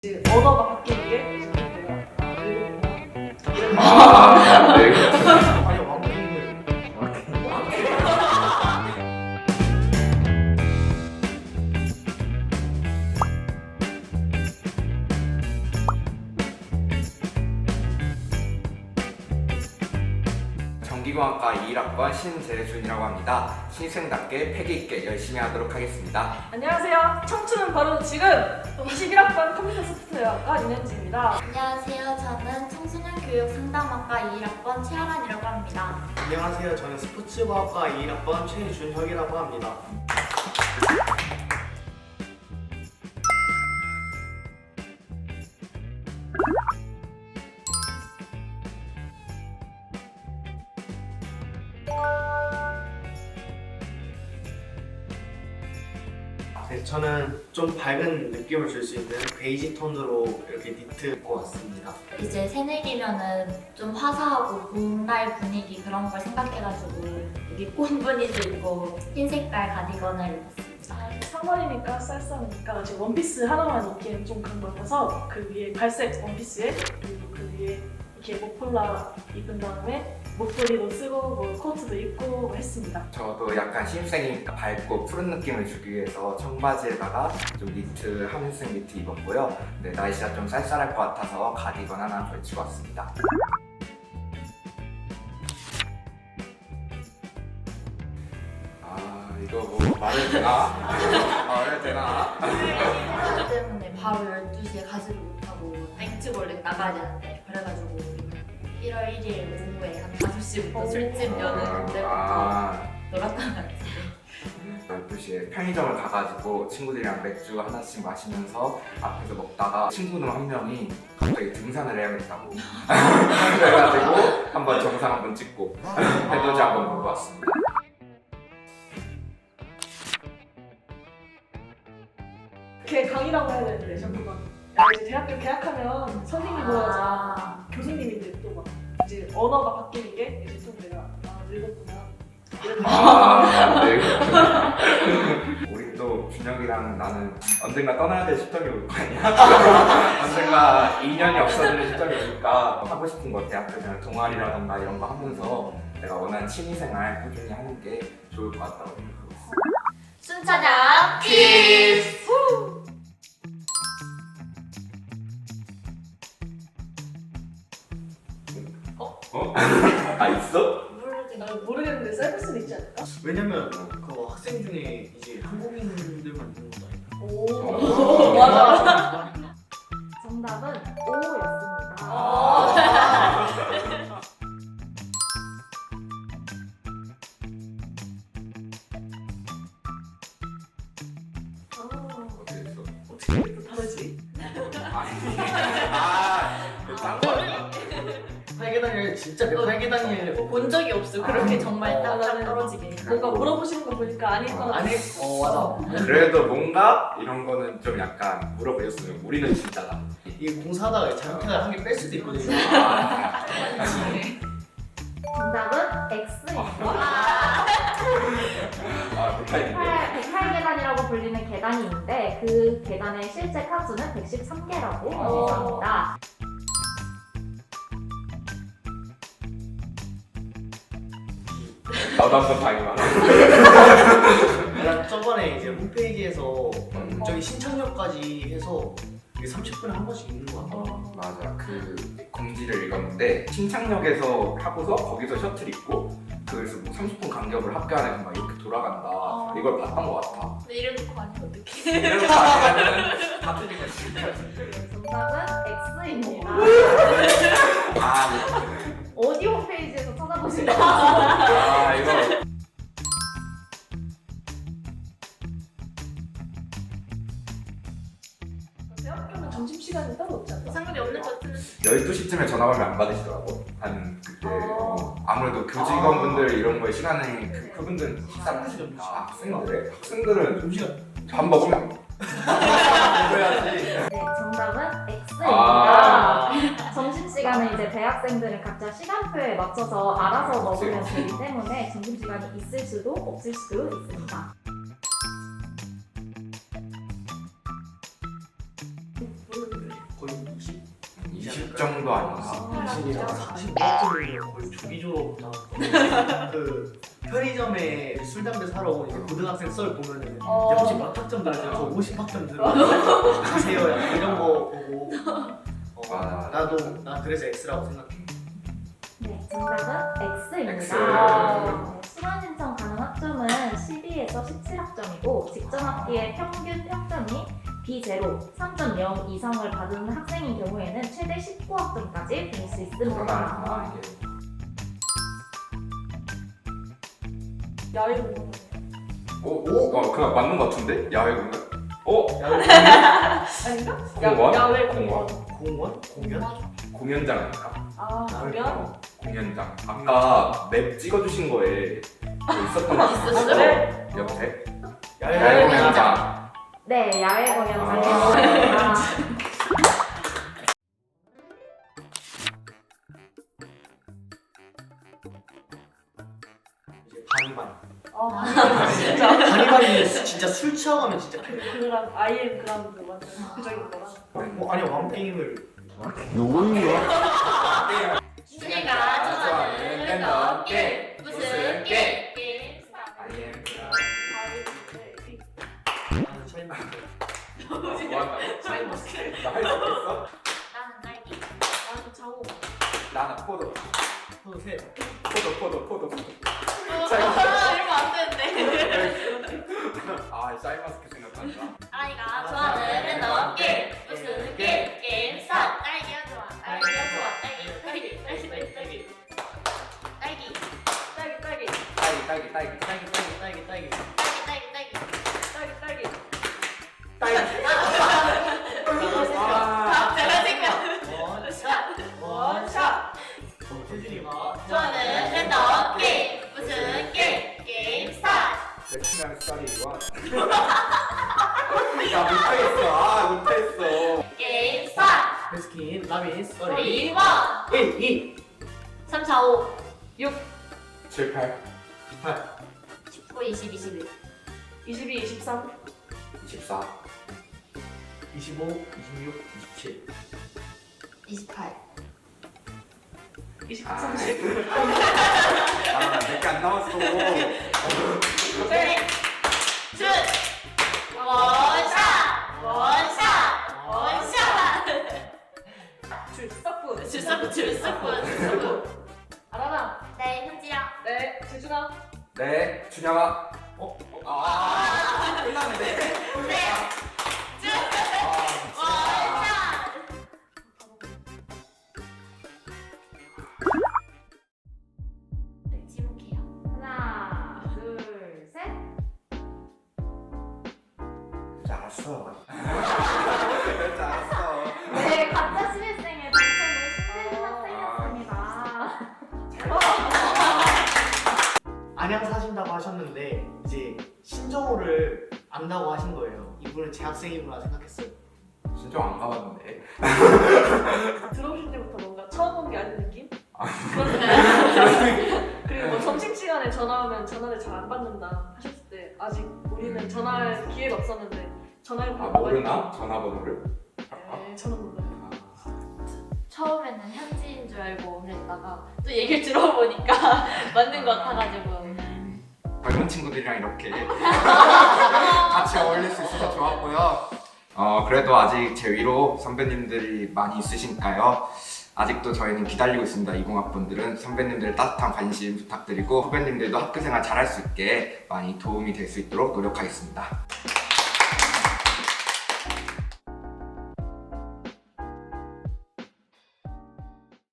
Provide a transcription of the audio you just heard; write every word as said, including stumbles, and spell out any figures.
이제 언어가 바뀌는 게 이제 내가 아, 외국어구나. 아, 네. 아니 왕국을 전기공학과 이 일 학번 신재준이라고 합니다. 신입생답게 패기있게 열심히 하도록 하겠습니다. 안녕하세요. 청춘은 바로 지금 이십일 학번 컴퓨터 소프트웨어학과 윤현지입니다. 안녕하세요. 저는 청소년 교육 상담학과 이 일 학번 최아란이라고 합니다. 안녕하세요. 저는 스포츠과학과 이 일 학번 최준혁이라고 합니다. 네, 저는 좀 밝은 느낌을 줄 수 있는 베이지 톤으로 이렇게 니트 입고 왔습니다. 이제 새내기면은 좀 화사하고 봄날 분위기 그런 걸 생각해가지고 여기 꽃무늬도 있고 흰 색깔 가디건을 입었습니다. 아, 삼월이니까 쌀쌀하니까 지금 원피스 하나만 입기엔 좀 그런 것 같아서 그 위에 갈색 원피스에 그리고 그 위에 이렇게 목폴라 입은 다음에 목도리도 쓰고 뭐 코트도 입고 뭐 했습니다. 저도 약간 신입생이니까 밝고 푸른 느낌을 주기 위해서 청바지에다가 좀 니트, 하늘색 니트 입었고요. 네, 날씨가 좀 쌀쌀할 것 같아서 가디건 하나 걸치고 왔습니다. 아, 이거 뭐 말해도 되나? 말해도 되나? 그것 때문에 바로 열두 시에 가지를 못하고 땡집 원래 나가야 되는데 그래가지고 일월 일일 오후에 한 다섯 시부터 술집 여는 그때부터 아, 놀았던 것 같아요. 열두 시에 편의점을 가가지고 친구들이랑 맥주 하나씩 마시면서 앞에서 먹다가 친구는 한 명이 갑자기 등산을 해야겠다고 그래가지고 한번 정상 한번 찍고 해돋이 한번 보고 왔습니다. 걔 강의라고 해야 되는데 자꾸만 야 이제 대학교 개학하면 선생님 보여야지 아, 교수님인데 또 막 이제 언어가 바뀌는 게 이제 좀 내가 아 늙었구나 이런 아, 네. 우리 또 준혁이랑 나는 언젠가 떠나야 될 시점이 올 거 아니야? 언젠가 인연이 없어지는 시점이 오니까 하고 싶은 거 대학교면 동아리라던가 이런 거 하면서 내가 원하는 취미생활 꾸준히 하는 게 좋을 것 같다고 생각하고 있어. 순차장 퀴즈! 어? 아 있어? 모르겠네. 아, 모르겠는데 쌀국수는 있지 않을까? 왜냐면 그 학생 중에 이제 한국인들만 있는 거 아닌가? 오 맞아. 정답은 오였습니다. 아. 어떻게 했어? 어떻게 이렇게 다르지? 아니 아, 딴거 아니야? 팔계단일 진짜 몇 팔계단일 본 적이 없어. 그렇게 정말 어, 딱딱 나는 떨어지게. 뭔가 물어보시는 거 보니까 아닐 것 같아. 아니 어 맞아. 그래도 뭔가 이런 거는 좀 약간 물어보셨으면 우리는 진짜다. 이게 공사하다가 잘못해서 한 개 뺄 수도 있거든요. 아, 정답은 X입니다. 아 못하겠네. 백팔 계단이라고 불리는 계단이 있는데 그 계단의 실제 칸수는 백십삼 개라고 어. 합니다. 나도 한번 당해봐. 나 저번에 이제 홈페이지에서 음. 저기 신청료까지 해서 이게 삼십 분에 한 번씩 있는 거 같아. 어, 맞아, 그 공지를 읽었는데 신창역에서 하고서 거기서 셔틀 있고 그래서 뭐 삼십 분 간격을 학교 안에서 막 이렇게 돌아간다. 어. 이걸 봤던 것 같아. 근데 이름 놓고 아니면 어떡해. 이렇게 가면은 다 틀린 거지. 정답은 X입니다. 아, 이거. 어디 홈페이지에서 찾아보신 거죠? 아, 이거. 대학교는 점심시간이 따로 없지 않나? 상관이 없는 것 같은. 열두 시쯤에 전화 오면 안 받으시더라고. 한 그때 어. 어, 아무래도 교직원분들 이런 거에 시간에 그, 그분들은 식사 시간이니까 학생들 학생들은 점심시간 밥 먹으면 먹어야지. 네, 정답은 X입니다. 아. 점심시간에 이제 대학생들은 각자 시간표에 맞춰서 알아서 그치, 먹으면 그치. 되기 때문에 점심시간이 있을 수도 없을 수도 있습니다. 모르겠는데. 이십 점도 아니고 이십이랑 사십 점이면 거의 조기 졸업 나왔고 그 편의점에 술 담배 사러 온 이제 고등학생 썰 보면은 어. 혹시 몇 학점 나죠? 저 오십 학점 들어가요. 가세요. 약간 이런 거 보고 어, 맞아. 나도 나 그래서 X라고 생각해. 네, 정답은 X입니다. X. 네, 수강 신청 가능 학점은 십이에서 십칠 학점이고 직전 학기의 평균 학점이 비제로 삼 점 영 이상을 받은 학생인 경우에는 최대 십구 학점까지 받을 수 있습니다. 아, 이게 야외 공연. 오, 오, 어, 그냥 맞는 것 같은데? 야외 공연? 어? 아닌가? 공원? 야, 야외 공연. 공원? 공연? 공연장 아닐까? 아 공연? 어, 공연장. 아까 맵 찍어주신 거에 뭐 있었던 거 있었어요? 네. 옆에? 야외 야외 공연. 공연장. 네, 야외 아. 공연장입니다. 이제 바리바리. 아 진짜. 바리바리 진짜 술 취하면 진짜. 그 그랑 아이엠 그라운드 완전 극적인 거라. 어, 아니 왕 게임을 준이가 좋아하는 랜덤 게임 무슨 게임? 게임 아이엠 나는 샤인머스켓. 뭐한다고? 샤인머스켓. 나할 수 있겠어? 나는 딸기. 나는 장호. 나는 포도. 포도 셋. 포도, 포도, 포도, 포도. 아, 이러면 안 되는데. 아, 샤인머스켓 생각난다. 아이가 좋아하는 랜덤 게임 무슨 게임? 게임 스타트. 딸기가 좋아. 딸기가 좋아. 딸기 딸기 딸기 딸기 딸기 딸기 딸기 딸기 딸기, 딸기, 딸기, 딸기, 딸기 딸기 딸기 딸기. 딸기 딸기 딸기 딸기. 딸기. 아, 아, 제가 생각. 원샷. 원샷. 태준이가 좋아하는 랜덤 게임 무슨 게임? 게임 스타트. 맥주랑 쌀이 원. 야, 못하겠어. 아, 못했어. 게임 스타트. 베스킨 라빈스 우리 일 번 이 삼, 사, 오, 칠, 팔, 십구, 이십, 이십일. 이십이, 이십삼. 이십사, 이십오 이십육 이십칠 이십팔. 이십구, 아. 삼십. 아, 몇 개 안 남았어. 네. 준! 원샷! 원샷! 원샷! 줄서프. 줄서프, 줄서프, 줄서프. 아라나. 네, 현지야. 네. 재준아. 네, 준영아. 어? 아, 끝났는데. 네. 준! 아, 원샷! 네, 지목해요. 하나, 둘, 셋. 진짜 알았어. 진짜 알았어. 네, 가짜 신입생의 당첨은 신재준 학생이었습니다. 안양 사신다고 하셨는데 이제 신정호를 안다고 하신 거예요. 이분은 제 학생이구나 생각했어요. 진짜 안 가봤는데. 들어오실 때부터 뭔가 처음 온 게 아닌 느낌? 아. 그리고 뭐 점심시간에 전화하면 전화를 잘 안 받는다 하셨을 때 아직 우리는 전화할 기회가 없었는데 전화를 아, 모르나? 전화번호를? 네, 저는 몰라요. 처음에는 현지인 줄 알고 그랬다가 또 얘기를 들어보니까 맞는 것 같아가지고. 젊은 친구들이랑 이렇게 같이 어울릴 수 있어서 좋았고요. 어, 그래도 아직 제 위로 선배님들이 많이 있으시니까요. 아직도 저희는 기다리고 있습니다. 이공학번들은 선배님들의 따뜻한 관심 부탁드리고 후배님들도 학교생활 잘할 수 있게 많이 도움이 될 수 있도록 노력하겠습니다.